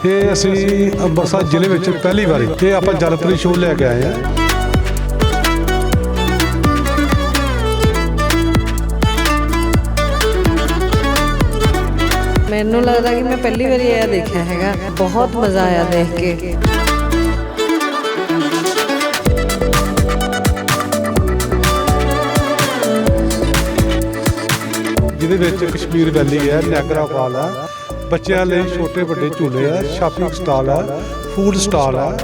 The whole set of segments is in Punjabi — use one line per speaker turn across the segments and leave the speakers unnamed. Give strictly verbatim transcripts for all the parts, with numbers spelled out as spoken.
ਇਹ ਅਸੀਂ ਅੰਮ੍ਰਿਤਸਰ ਜ਼ਿਲ੍ਹੇ ਵਿੱਚ ਪਹਿਲੀ ਵਾਰੀ ਇਹ ਆਪਾਂ ਜਲਪਰੀ ਸ਼ੋਅ ਲੈ ਕੇ ਆਏ ਹਾਂ।
ਮੈਨੂੰ ਲੱਗਦਾ ਕਿ ਮੈਂ ਪਹਿਲੀ ਵਾਰੀ ਇਹ ਦੇਖਿਆ ਹੈਗਾ, ਬਹੁਤ ਮਜ਼ਾ ਆਇਆ ਦੇਖ ਕੇ।
ਜਿਹਦੇ ਵਿੱਚ ਕਸ਼ਮੀਰ ਵੈਲੀ ਹੈ, ਨਿਆਗਰਾ ਫਾਲ ਹੈ, ਬੱਚਿਆਂ ਲਈ ਛੋਟੇ ਵੱਡੇ ਝੂਲੇ ਆ, ਸ਼ਾਪਿੰਗ ਸਟਾਲ ਹੈ, ਫੂਡ ਸਟਾਲ ਹੈ।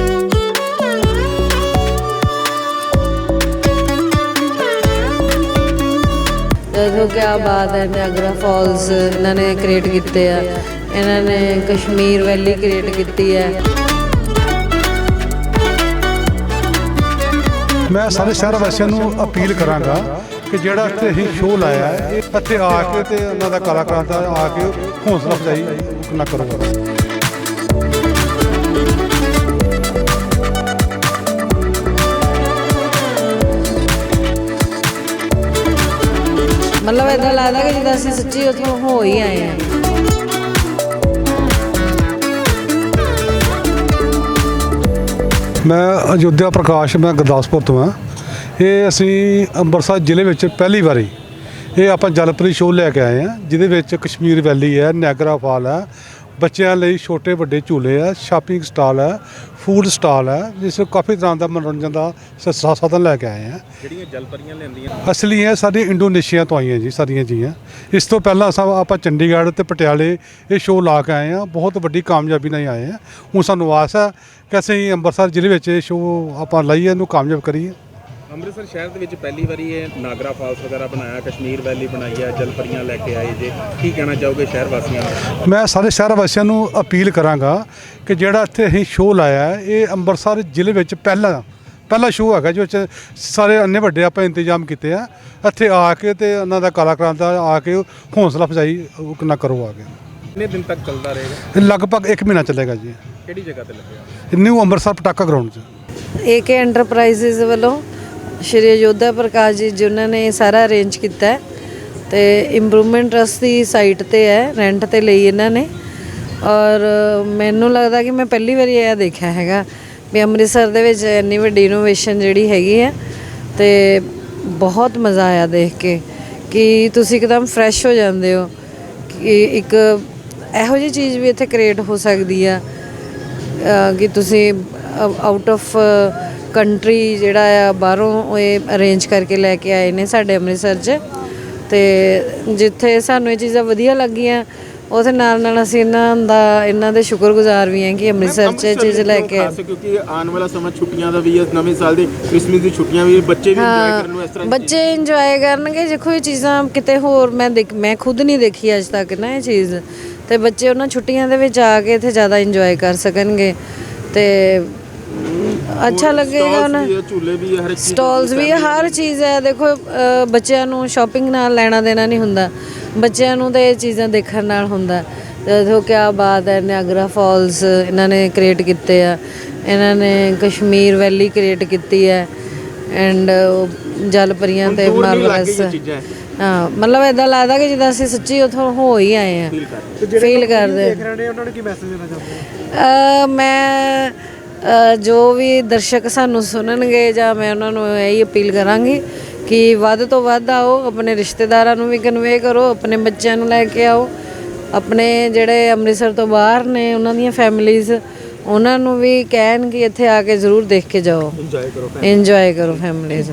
ਦੇਖੋ ਕਿਆ ਬਾਤ ਹੈ, ਨਿਆਗਰਾ ਫਾਲਸ ਇਹਨਾਂ ਨੇ ਕ੍ਰੀਏਟ ਕੀਤੇ ਆ, ਇਹਨਾਂ ਨੇ ਕਸ਼ਮੀਰ ਵੈਲੀ ਕ੍ਰੀਏਟ ਕੀਤੀ ਹੈ।
ਮੈਂ ਸਾਰੇ ਸ਼ਹਿਰ ਵਾਸੀਆਂ ਨੂੰ ਅਪੀਲ ਕਰਾਂਗਾ ਕਿ ਜਿਹੜਾ ਇੱਥੇ ਅਸੀਂ ਸ਼ੋਅ ਲਾਇਆ ਹੈ, ਇੱਥੇ ਆ ਕੇ ਤੇ ਉਹਨਾਂ ਦਾ ਕਲਾਕਾਰਾਂ ਦਾ ਆ ਕੇ ਹੌਸਲਾ ਅਫਜ਼ਾਈ ਨਾ ਕਰੋ।
ਮਤਲਬ ਇੱਦਾਂ ਲੱਗਦਾ ਕਿ ਜਿੱਦਾਂ ਅਸੀਂ ਸੱਚੀ ਉੱਥੋਂ ਹੋ ਹੀ ਆਏ ਹਾਂ।
ਮੈਂ ਅਯੋਧਿਆ ਪ੍ਰਕਾਸ਼, ਮੈਂ ਗੁਰਦਾਸਪੁਰ ਤੋਂ ਹਾਂ। ਇਹ ਅਸੀਂ ਅੰਮ੍ਰਿਤਸਰ ਜ਼ਿਲ੍ਹੇ ਵਿੱਚ ਪਹਿਲੀ ਵਾਰੀ ਇਹ ਆਪਾਂ ਜਲਪਰੀ ਸ਼ੋਅ ਲੈ ਕੇ ਆਏ ਹਾਂ, ਜਿਹਦੇ ਵਿੱਚ ਕਸ਼ਮੀਰ ਵੈਲੀ ਹੈ, ਨਿਆਗਰਾ ਫਾਲ ਹੈ, ਬੱਚਿਆਂ ਲਈ ਛੋਟੇ ਵੱਡੇ ਝੂਲੇ ਆ, ਸ਼ਾਪਿੰਗ ਸਟਾਲ ਹੈ, ਫੂਡ ਸਟਾਲ ਹੈ, ਜਿਸ ਵਿੱਚ ਕਾਫੀ ਤਰ੍ਹਾਂ ਦਾ ਮਨੋਰੰਜਨ ਦਾ ਸ- ਸਾਧਨ ਲੈ ਕੇ ਆਏ ਹਾਂ।
ਜਿਹੜੀਆਂ ਜਲਪਰੀਆਂ ਲੈਂਦੀਆਂ
ਅਸਲੀ ਇਹ ਸਾਡੀ ਇੰਡੋਨੇਸ਼ੀਆ ਤੋਂ ਆਈਆਂ ਜੀ, ਸਾਰੀਆਂ ਜੀਆਂ। ਇਸ ਤੋਂ ਪਹਿਲਾਂ ਅਸਾਂ ਆਪਾਂ ਚੰਡੀਗੜ੍ਹ ਤੇ ਪਟਿਆਲੇ ਇਹ ਸ਼ੋਅ ਲਾ ਕੇ ਆਏ ਹਾਂ, ਬਹੁਤ ਵੱਡੀ ਕਾਮਯਾਬੀ ਨਾਲ ਆਏ ਹਾਂ। ਹੁਣ ਸਾਨੂੰ ਆਸ ਹੈ ਕਿ ਅਸੀਂ ਅੰਮ੍ਰਿਤਸਰ ਜ਼ਿਲ੍ਹੇ ਵਿੱਚ ਇਹ ਸ਼ੋਅ ਆਪਾਂ ਲਾਈਏ, ਇਹਨੂੰ ਕਾਮਯਾਬ ਕਰੀਏ।
ਅੰਮ੍ਰਿਤਸਰ ਸ਼ਹਿਰ ਦੇ ਵਿੱਚ ਪਹਿਲੀ ਵਾਰੀ ਇਹ ਨਾਗਰਾ ਫਾਲਸ ਵਗੈਰਾ ਬਣਾਇਆ, ਕਸ਼ਮੀਰ ਵੈਲੀ ਬਣਾਈ ਹੈ, ਜਲਪਰੀਆਂ ਲੈ ਕੇ ਆਏ ਜੇ, ਕੀ ਕਹਿਣਾ ਚਾਹੋਗੇ ਸ਼ਹਿਰ ਵਾਸੀਆਂ ਨੂੰ?
ਮੈਂ ਸਾਰੇ ਸ਼ਹਿਰ ਵਾਸੀਆਂ ਨੂੰ ਅਪੀਲ ਕਰਾਂਗਾ ਕਿ ਜਿਹੜਾ ਇੱਥੇ ਅਸੀਂ ਸ਼ੋਅ ਲਾਇਆ ਹੈ, ਇਹ ਅੰਮ੍ਰਿਤਸਰ ਜ਼ਿਲ੍ਹੇ ਵਿੱਚ ਪਹਿਲਾ ਪਹਿਲਾ ਸ਼ੋਅ ਹੈਗਾ, ਜਿਸ ਵਿੱਚ ਸਾਰੇ ਇੰਨੇ ਵੱਡੇ ਆਪਾਂ ਇੰਤਜ਼ਾਮ ਕੀਤੇ ਆ। ਇੱਥੇ ਆ ਕੇ ਤੇ ਉਹਨਾਂ ਦਾ ਕਲਾਕਾਰਾਂ ਦਾ ਆ ਕੇ ਹੌਸਲਾ ਅਫਜ਼ਾਈ ਨਾ ਕਰੋ ਆ ਕੇ।
ਕਿੰਨੇ ਦਿਨ ਤੱਕ ਚੱਲਦਾ ਰਹੇਗਾ?
ਇਹ ਲਗਭਗ ਇੱਕ ਮਹੀਨਾ ਚੱਲੇਗਾ ਜੀ।
ਕਿਹੜੀ ਜਗ੍ਹਾ ਤੇ ਲੱਗਿਆ?
ਨਿਊ ਅੰਮ੍ਰਿਤਸਰ ਪਟਾਕਾ ਗਰਾਊਂਡ 'ਚ।
ਏਕੇ ਐਂਟਰਪ੍ਰਾਈਜ਼ਸ ਵੱਲੋਂ ਸ਼੍ਰੀ ਅਯੋਧਿਆ ਪ੍ਰਕਾਸ਼ ਜੀ ਜਿਨ੍ਹਾਂ ਨੇ ਸਾਰਾ ਅਰੇਂਜ ਕੀਤਾ ਹੈ ਤੇ ਇੰਪਰੂਵਮੈਂਟ ਟਰਸਟ ਦੀ ਸਾਈਟ ਤੇ ਹੈ, ਰੈਂਟ ਤੇ ਲਈ ਇਹਨਾਂ ਨੇ। ਔਰ ਮੈਨੂੰ ਲੱਗਦਾ ਕਿ ਮੈਂ ਪਹਿਲੀ ਵਾਰੀ ਇਹ ਦੇਖਿਆ ਹੈਗਾ ਵੀ ਅੰਮ੍ਰਿਤਸਰ ਦੇ ਵਿੱਚ ਇੰਨੀ ਵੱਡੀ ਇਨੋਵੇਸ਼ਨ ਜਿਹੜੀ ਹੈਗੀ ਹੈ, ਤੇ ਬਹੁਤ ਮਜ਼ਾ ਆਇਆ ਦੇਖ ਕੇ ਕਿ ਤੁਸੀਂ ਇੱਕਦਮ ਫਰੈਸ਼ ਹੋ ਜਾਂਦੇ ਹੋ ਕਿ ਇੱਕ ਇਹੋ ਜਿਹੀ ਚੀਜ਼ ਵੀ ਇੱਥੇ ਕ੍ਰੀਏਟ ਹੋ ਸਕਦੀ ਆ ਕਿ ਤੁਸੀਂ ਆਊਟ ਆਫ ਕੰਟਰੀ ਜਿਹੜਾ ਆ ਬਾਹਰੋਂ ਇਹ ਅਰੇਂਜ ਕਰਕੇ ਲੈ ਕੇ ਆਏ ਨੇ ਸਾਡੇ ਅੰਮ੍ਰਿਤਸਰ 'ਚ। ਤੇ ਜਿੱਥੇ ਸਾਨੂੰ ਇਹ ਚੀਜ਼ਾਂ ਵਧੀਆ ਲੱਗੀਆਂ, ਉਹਦੇ ਨਾਲ ਨਾਲ ਅਸੀਂ ਇਹਨਾਂ ਦਾ ਇਹਨਾਂ ਦੇ ਸ਼ੁਕਰਗੁਜ਼ਾਰ ਵੀ ਹਾਂ ਕਿ ਅੰਮ੍ਰਿਤਸਰ 'ਚ ਇਹ ਚੀਜ਼ ਲੈ ਕੇ।
ਕਿਉਂਕਿ ਆਉਣ ਵਾਲਾ ਸਮਾਂ ਛੁੱਟੀਆਂ ਦਾ ਵੀ ਹੈ, ਨਵੇਂ ਸਾਲ ਦੀ ਕ੍ਰਿਸਮਸ ਦੀ ਛੁੱਟੀਆਂ ਵੀ, ਬੱਚੇ ਵੀ ਇੰਜੋਏ ਕਰਨ ਨੂੰ ਇਸ ਤਰ੍ਹਾਂ
ਬੱਚੇ ਇੰਜੋਏ ਕਰਨਗੇ। ਦੇਖੋ ਇਹ ਚੀਜ਼ਾਂ ਕਿਤੇ ਹੋਰ ਮੈਂ ਦੇਖ ਮੈਂ ਖੁਦ ਨਹੀਂ ਦੇਖੀ ਅੱਜ ਤੱਕ ਨਾ ਇਹ ਚੀਜ਼, ਤੇ ਬੱਚੇ ਉਹਨਾਂ ਛੁੱਟੀਆਂ ਦੇ ਵਿੱਚ ਆ ਕੇ ਇੱਥੇ ਜ਼ਿਆਦਾ ਇੰਜੋਏ ਕਰ ਸਕਣਗੇ ਤੇ ਅੱਛਾ ਲੱਗੇਗਾ। ਉਹਨਾਂ
ਝੂਲੇ ਵੀ ਹਰ ਇੱਕ
ਸਟਾਲਸ ਵੀ ਹਰ ਚੀਜ਼ ਹੈ। ਦੇਖੋ ਬੱਚਿਆਂ ਨੂੰ ਸ਼ਾਪਿੰਗ ਨਾਲ ਲੈਣਾ ਦੇਣਾ ਨਹੀਂ ਹੁੰਦਾ, ਬੱਚਿਆਂ ਨੂੰ ਤਾਂ ਇਹ ਚੀਜ਼ਾਂ ਦੇਖਣ ਨਾਲ ਹੁੰਦਾ। ਦੇਖੋ ਕਿਆ ਬਾਤ ਹੈ, ਨਿਆਗਰਾ ਫਾਲਸ ਇਹਨਾਂ ਨੇ ਕ੍ਰੀਏਟ ਕੀਤੇ ਆ, ਇਹਨਾਂ ਨੇ ਕਸ਼ਮੀਰ ਵੈਲੀ ਕ੍ਰੀਏਟ ਕੀਤੀ ਹੈ, ਐਂਡ ਜਲਪਰੀਆਂ ਤੇ ਮਾਰਵਲਸ। ਹਾਂ, ਮਤਲਬ ਇੱਦਾਂ ਲੱਗਦਾ ਕਿ ਜਿੱਦਾਂ ਅਸੀਂ ਸੱਚੀ ਉੱਥੋਂ ਹੋ ਹੀ ਆਏ ਹਾਂ, ਫੀਲ ਕਰਦੇ।
ਉਹਨਾਂ ਨੂੰ ਕੀ ਮੈਸੇਜ ਦੇਣਾ ਚਾਹੁੰਦੇ?
ਮੈਂ ਜੋ ਵੀ ਦਰਸ਼ਕ ਸਾਨੂੰ ਸੁਣਨਗੇ ਜਾਂ ਮੈਂ ਉਹਨਾਂ ਨੂੰ ਇਹੀ ਅਪੀਲ ਕਰਾਂਗੀ ਕਿ ਵੱਧ ਤੋਂ ਵੱਧ ਆਓ, ਆਪਣੇ ਰਿਸ਼ਤੇਦਾਰਾਂ ਨੂੰ ਵੀ ਕਨਵੇ ਕਰੋ, ਆਪਣੇ ਬੱਚਿਆਂ ਨੂੰ ਲੈ ਕੇ ਆਓ, ਆਪਣੇ ਜਿਹੜੇ ਅੰਮ੍ਰਿਤਸਰ ਤੋਂ ਬਾਹਰ ਨੇ ਉਹਨਾਂ ਦੀਆਂ ਫੈਮਿਲੀਜ਼, ਉਹਨਾਂ ਨੂੰ ਵੀ ਕਹਿਣ ਕਿ ਇੱਥੇ ਆ ਕੇ ਜ਼ਰੂਰ ਦੇਖ ਕੇ ਜਾਓ, ਇੰਜੋਏ ਕਰੋ ਇੰਜੋਏ ਕਰੋ ਫੈਮਿਲੀਜ਼।